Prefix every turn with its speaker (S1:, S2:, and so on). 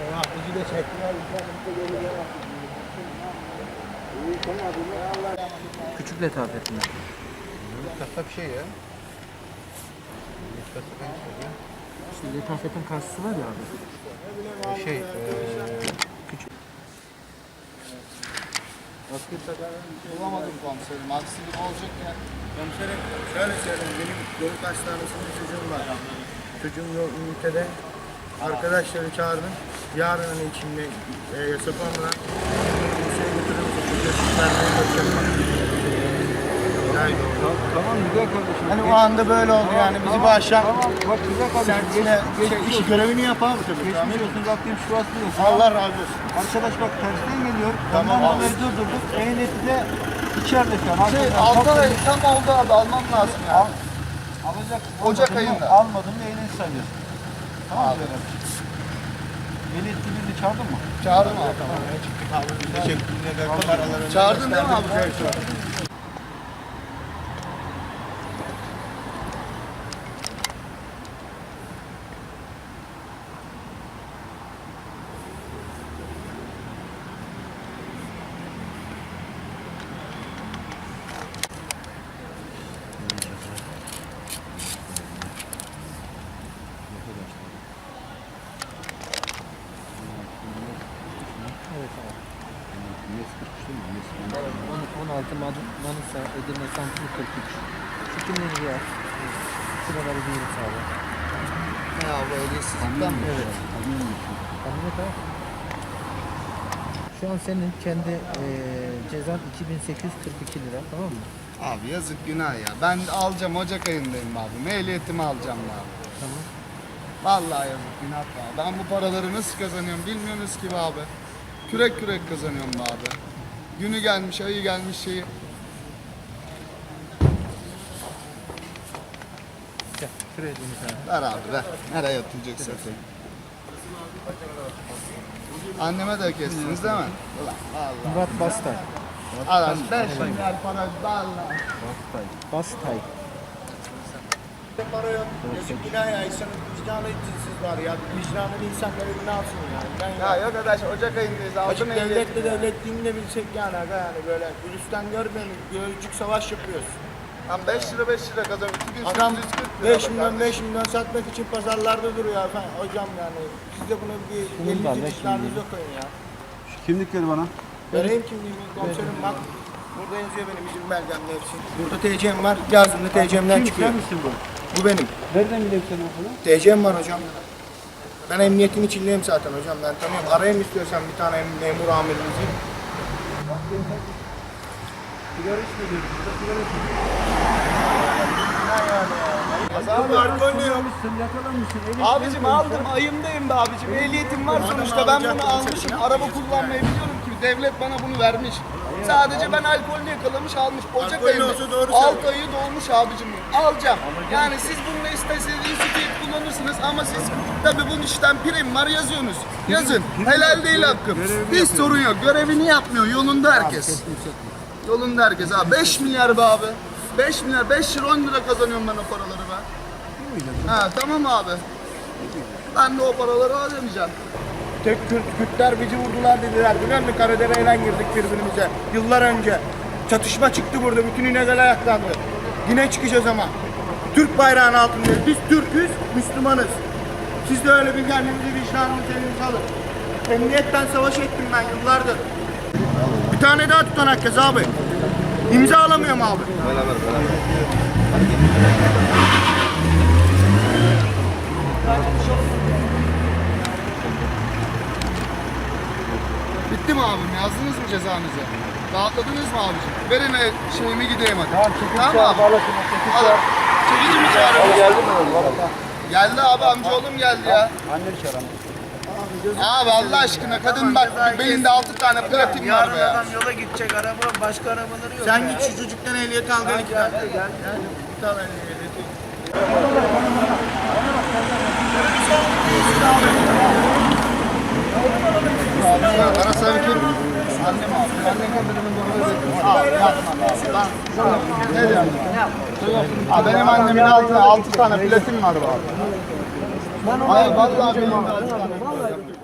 S1: Bizi de çektiler.
S2: Küçük letafet mi?
S1: Kasa bir şey ya. Kasa ben söyleyeyim.
S2: İşte letafetin karşısı var ya abi. Küçük.
S1: Bulamadım komiserim. Aksilik olacak ya. Komiserim şöyle söyleyeyim. Benim Yoluk Hastanesi'nde çocuğum var. Çocuğum yok ünitede. Arkadaşları çağırdım. Yarın hani içinde Yasapam'la kimseye götürürüz. Yani,
S2: Tamam güzel kardeşim.
S1: hani o anda böyle oldu yani. Bizi bu akşam
S2: Bak güzel kardeşim.
S1: iş görevini yapalım tabii.
S2: Geçmiş olsun Rabbim şurası olsun.
S1: Allah razı olsun.
S2: Arkadaş bak tersten geliyor.
S1: Tamam
S2: Ondan
S1: abi.
S2: dolayı durdurduk. Ehliyeti de içeride şu an.
S1: Altı ay tam oldu abi. Almam lazım ya.
S2: Alacak.
S1: Ocak
S2: almadın mı?
S1: ayında.
S2: Almadın mı ehliyet sayıyorsun. Tamam mı? Ehliyet birini çağırdın mı?
S1: Çağırdım abi. Tamam. Çıktık abi. Teşekkürler. Çağırdın değil mi abi?
S2: Evet abi. 16 Manisa, Edirne, Samsun 43. Şu kimleri ya? Şuraları diyoruz abi.
S1: Ne abi ehliyetsizlikten mi?
S2: Evet. Kamyonet abi. Şu an senin kendi cezan 2842 lira, tamam mı?
S1: Abi yazık günah ya. Ben alacağım Ocak ayındayım abi. Ehliyetimi alacağım ya.
S2: Tamam.
S1: Vallahi yazık günah ya. Ben bu paraları nasıl kazanıyorum bilmiyorsunuz ki be abi. Kürek kürek kazanıyorum be abi. Günü gelmiş, ayı gelmiş şeyi.
S2: Gel, şuraya dönün sen.
S1: Ver abi ver. Nereye yatıracaksın? Anneme de kestiniz değil mi? Ulan vallahi.
S2: Murat Bastay.
S1: Adam 5 milyar para vallahi.
S2: Bastay.
S3: Para yok. Yazık günah ya. İnsanın vicdanı cinsiz var ya. Vicdanlı insanları ne yapsın yani? Ben
S1: Ya yok arkadaş Ocak ayındayız.
S3: Açık
S1: Aldım ehliyetimi.
S3: devletle devletliğini de bilsek yani aga yani böyle virüsten görmeyelim. Gölcük savaş yapıyoruz.
S1: Lan 5 lira 5 lira kazanıyorum.
S3: Adam
S1: 2840 lira.
S3: 5 milyon 5 milyon satmak için pazarlarda duruyor efendim. Hocam yani siz de bunu bir
S2: Bunun da
S3: elinizi
S2: 5
S3: vicdanınıza koyun ya.
S4: Kimlikleri bana.
S3: Vereyim kimliğimi komiserim bak. Burada yazıyor benim izin belgemle hepsi. Burada TC'm var. Yazdığımda TC'mden çıkıyor.
S4: misin bu?
S3: Bu benim.
S4: Nereden biliyorsun sen okulu?
S3: TC'm var hocam. Ben emniyetin içindeyim zaten hocam. Ben tanıyorum. Arayayım istiyorsan bir tane memur amirinizi.
S4: Sigara içmiyorsun. Sigara içmiyorsun.
S3: Abi alkol yok.
S4: Yakalanmışsın.
S3: Abicim aldım. Ayımdayım be abicim. Ehliyetim var sonuçta. Ben bunu almışım. Araba kullanmayı biliyorum ki. Devlet bana bunu vermiş. Sadece ben alkolünü yakalamış almış. Ocak ayında. 6 ayı dolmuş abicim. Alacağım. Yani siz bununla istediğiniz kullanırsınız ama siz tabii bunun işten prim var yazıyorsunuz. Yazın. Helal değil hakkım. Hiç sorun yok. Görevini yapmıyor. Yolunda herkes. Yolunda herkes abi. 5 milyar be abi. 5 milyar, 5 lira 10 lira kazanıyorum ben o paraları ben. Ha tamam abi. Ben de o paraları ödemeyeceğim. Kürtler bizi vurdular dediler. Biliyor musun? Karadere'yle girdik birbirimize. Yıllar önce. Çatışma çıktı burada. Bütün İnegöl ayaklandı. Yine çıkacağız ama. Türk bayrağının altındayız. Biz Türk'üz, Müslümanız. Siz de öyle bir kendinizi vicdanınızı elinize alın. Emniyetten savaş ettim ben yıllardır. Bir tane daha tutanak yaz abi. İmza alamıyorum abi. Bitti mi abim? Yazdınız mı cezanızı? Dağıtladınız mı abicim? Verin şeyimi gideyim hadi. Tamam abi. Çekici mi çağırıyorsun?
S4: Geldi mi oğlum?
S3: Geldi abi amcaoğlum geldi ya.
S4: Anne çağıran.
S3: Abi Allah aşkına kadın bak belinde 6 tane platin var be ya.
S5: Adam yola gidecek araba başka arabaları yok.
S3: Sen git şu çocuktan ehliyet al gel. Gel. Bir tane ehliyeti. Bana sanki annem abi. Annem kadının doğru abi yapma abi. Ne diyorsun? Abi benim annemin altına 6 tane platin var abi. Hayır vallahi benim de 6 tane.